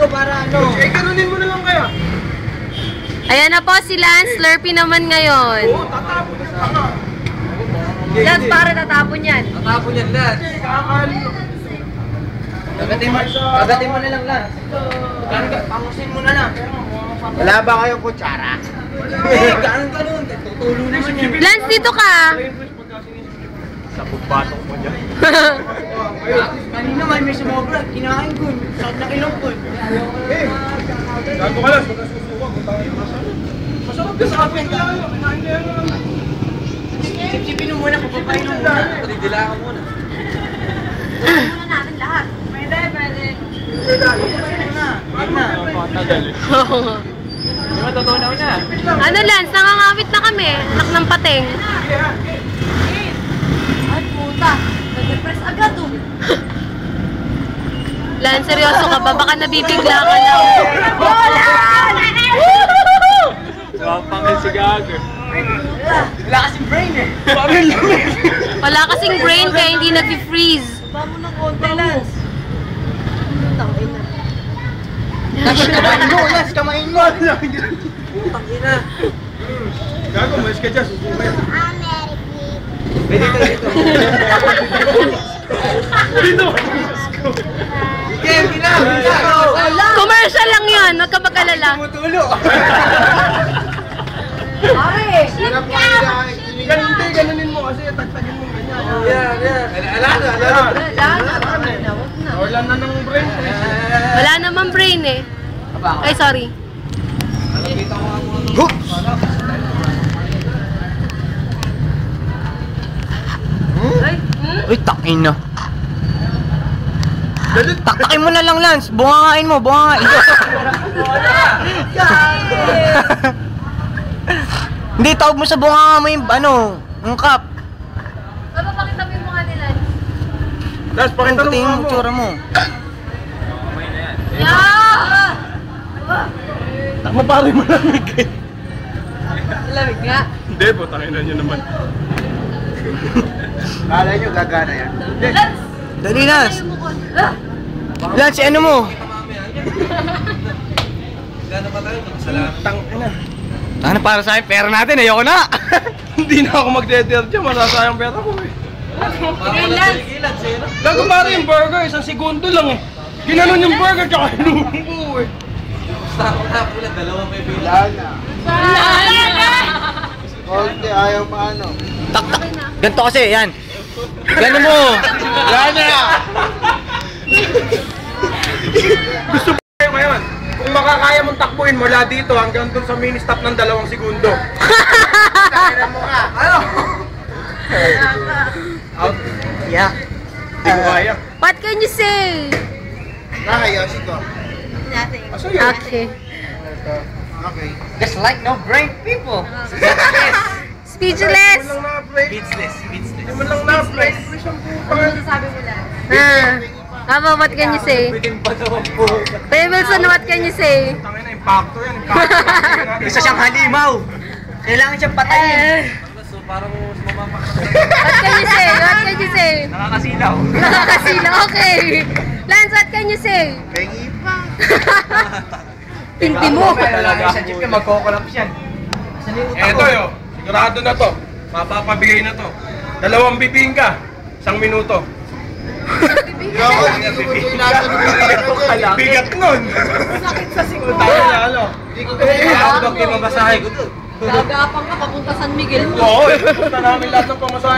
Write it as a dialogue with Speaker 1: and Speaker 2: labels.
Speaker 1: ko para ano. Eh, ganunin mo na lang kaya.
Speaker 2: Ayan na po si Lance. Slurpee naman ngayon.
Speaker 1: Oo, tatapon na sa
Speaker 2: Lance, para tatapon yan.
Speaker 3: Tatapon yan, Lance. Kagatin mo na lang, Lance. Pangusin mo na lang.
Speaker 1: Wala ba kayong kutsara?
Speaker 3: Eh, ganun. Tutulo naman yan.
Speaker 2: Lance, dito ka.
Speaker 1: Sa pagpasok mo dyan.
Speaker 3: Kanina may sumobra. Kinain ko. Sakit na ilong ko.
Speaker 1: Eh, gago ka lang. Magkasusuwa. Masarap ka sa akin. Kinain na yan.
Speaker 3: Sipsipin mo muna. Papapain mo muna. Dila ka muna.
Speaker 2: Muna natin lahat. Pwede.
Speaker 3: Di ba totoo na una?
Speaker 2: Ano Lance, nangangawit na kami. Anak ng pateng.
Speaker 4: Ay, puta. Nag-depress agad, oh.
Speaker 2: Lance, seryoso ka ba? Baka nabibigla ka lang.
Speaker 1: Pangil si Gago.
Speaker 3: Wala kasing brain eh.
Speaker 1: Pangil lumit.
Speaker 2: Wala kasing brain kaya hindi nag-freeze.
Speaker 4: Baba mo ng konti, Lance. Tangin na.
Speaker 3: Lance, kamain mo. Putang ina.
Speaker 1: Gago, malis ka dyan. Susukay.
Speaker 3: Dito.
Speaker 1: Dito.
Speaker 3: Sige,
Speaker 2: Commercial lang yun. Huwag ka mag-alala.
Speaker 3: tumutulo.
Speaker 4: Pare!
Speaker 1: Ganunin mo kasi tagtagin mo ganyan.
Speaker 3: Yan. Alala.
Speaker 1: Wala na ng brain.
Speaker 2: Wala namang brain eh. Ay, sorry.
Speaker 3: Uy, takin na. Taktakin mo na lang, Lance. Bungangain mo, bungangain. Hindi, tawag mo sa bunganga mo yung, yung cup.
Speaker 2: Papakita mo yung mukha ni Lance.
Speaker 1: Lance, pakita mo
Speaker 3: Tingin
Speaker 1: mukha
Speaker 3: mo,
Speaker 1: mo.
Speaker 3: tsura mo.
Speaker 2: Yeah!
Speaker 1: Takma pare mo lamig eh.
Speaker 2: Lamig nga.
Speaker 1: Hindi, putangin na nyo naman. Kala nyo gagana yan? Hindi.
Speaker 3: Dali, Lance. Lance, ano mo?
Speaker 1: Tang ina.
Speaker 3: Ano para sa akin? Pera natin, ayoko na.
Speaker 1: Hindi na ako magde-dare dyan, masasayang pera ko eh. Gago pare yung burger, isang segundo lang eh. Ginanon yung burger tsaka hinumbo eh. Konti, ayaw paano.
Speaker 3: Tak. Ganito kasi, yan. Gano mo.
Speaker 1: Gana! Gusto mo kayo ngayon? Kung makakaya mong takbuhin mula dito hanggang dun sa mini stop ng 2 segundo. Kaya mo ka. Ano? Out.
Speaker 3: Yeah.
Speaker 1: Hindi ko kaya.
Speaker 2: What can you say?
Speaker 1: Nakayosi ko.
Speaker 4: Nothing.
Speaker 1: Aso yun?
Speaker 2: Okay.
Speaker 1: Okay.
Speaker 3: Just like no brain people.
Speaker 2: Speechless.
Speaker 1: Hindi mo lang na-play.
Speaker 3: Speechless.
Speaker 1: Hindi mo lang na-play.
Speaker 4: Ano masasabi mo, Lance?
Speaker 2: Aba, what can you say?
Speaker 3: Bitin pa naman po.
Speaker 2: Kuya Wilson, what can you say?
Speaker 1: Tangin na, impacto yan. Impacto.
Speaker 3: Isa siyang halimaw. Kailangan siyang patayin. Parang
Speaker 2: What can you say? What can you say?
Speaker 3: nakakasilaw.
Speaker 2: Nakakasila, okay. Lance, what can you say?
Speaker 1: Pengi pa.
Speaker 2: Pinti mo.
Speaker 3: Talaga sa jeep ka, magkokolaps yan.
Speaker 1: Eto yo, sigurado na to. Mapapabigay na to. 2 bibingka, 1 minuto. Bigat nun.
Speaker 4: Sakit sa siguro.
Speaker 1: Tayo na ano.
Speaker 3: Ako daw kimabasahe ko doon.
Speaker 4: Gagapang ka papunta San Miguel mo.
Speaker 1: Oo, punta namin lahat ng pamasahe.